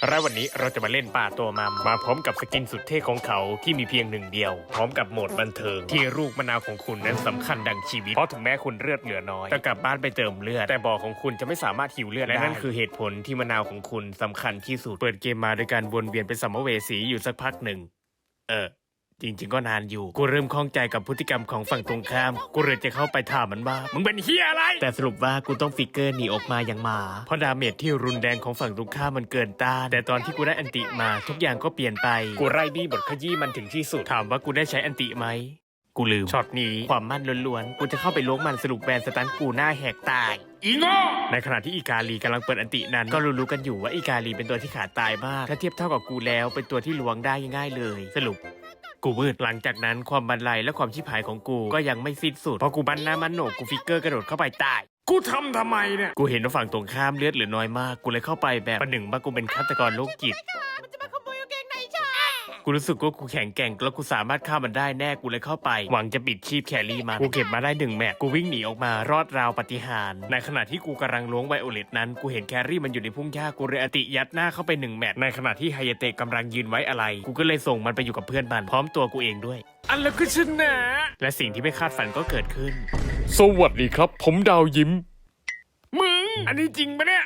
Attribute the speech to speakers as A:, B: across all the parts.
A: และวันนี้เราจะมาเล่นป่าตัวมัมมาพร้อมกับสกินสุดเท่ของเขาที่มีเพียงหนึ่งเดียวพร้อมกับโหมดบันเทิงที่ลูกมะนาวของคุณนั้นสำคัญดังชีวิตเพราะถึงแม้คุณเลือดเหลือน้อยจะกลับบ้านไปเติมเลือดแต่บ่อของคุณจะไม่สามารถหิวเลือดได้และนั่นคือเหตุผลที่มะนาวของคุณสำคัญที่สุดเปิดเกมมาโดยการวนเวียนเป็นสัมภเวสีอยู่สักพักหนึ่งจริงๆก็นานอยู่กูเริ่มคล่องใจกับพฤติกรรมของฝั่งตรงข้ามกูเลยจะเข้าไปถามมันว่ามึงเป็นเฮียอะไรแต่สรุปว่ากูต้องฟิกเกอร์หนีออกมาอย่างหมาเพราะดาเมจที่รุนแรงของฝั่งตรงข้ามมันเกินต้านแต่ตอนที่กูได้อันติมาทุกอย่างก็เปลี่ยนไปกูไล่บี้บทขยี้มันถึงที่สุดถามว่ากูได้ใช้อันติไหมกูลืมช็อตนี้ความมั่นล้วนๆกูจะเข้าไปล้วงมันสรุปแบนสตันกูหน้าแหกตายอีโง่ในขณะที่อีกาลีกำลังเปิดอันตินั้นก็รู้ๆกันอยู่ว่าอีกาลีเป็นตัวที่ขาดตายมากถ้าเทียบเท่ากับกูแล้วเป็นตัวที่ล้วงได้ง่ายๆเลยสรุปกูมืดหลังจากนั้นความบันไลและความชิบหายของกูก็ยังไม่สิ้นสุดพอกูบันหน้ามันโหนกกูฟิกเกอร์กระโดดเข้าไปตายกูทำไมเนี่ยกูเห็นว่าฝั่งตรงข้ามเลือดเหลือน้อยมากกูเลยเข้าไปแบบประหนึ่งว่ากูเป็นฆาตกรโรคจิตกูรู้สึกว่ากูแข็งแกร่งแล้วกูสามารถฆ่ามันได้แน่กูเลยเข้าไปหวังจะปิดชีพแครี่มันกูเก็บมาได้1 แมตช์กูวิ่งหนีออกมารอดราวปาฏิหาริย์ในขณะที่กูกำลังล้วงไวโอเลตนั้นกูเห็นแครี่มันอยู่ในพุ่งหญ้ากูเลยอติยัดหน้าเข้าไป1 แมตช์ในขณะที่ไฮเยเตะกำลังยืนไว้อะไรกูก็เลยส่งมันไปอยู่กับเพื่อนมันพร้อมตัวกูเองด้วยอันแล้วก็ชนะและสิ่งที่ไม่คาดฝันก็เกิดขึ้นสวัสดีครับผมดาวยิ้มมึงอันนี้จริงปะเนี่ย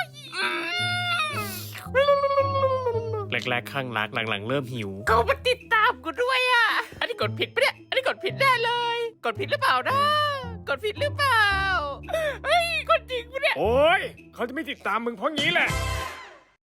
A: แรกๆข้างรักหลังๆเริ่มหิว
B: เขามาติดตามกูด้วยอ่ะ อันนี้กดผิดปะเนี่ย อันนี้กดผิดแน่เลย กดผิดหรือเปล่านะ กดผิดหรือเปล่า เฮ้ย กดจริงปะเนี่ย
A: โอ้ยเขาจะไม่ติดตามมึงเพราะงี้แหละ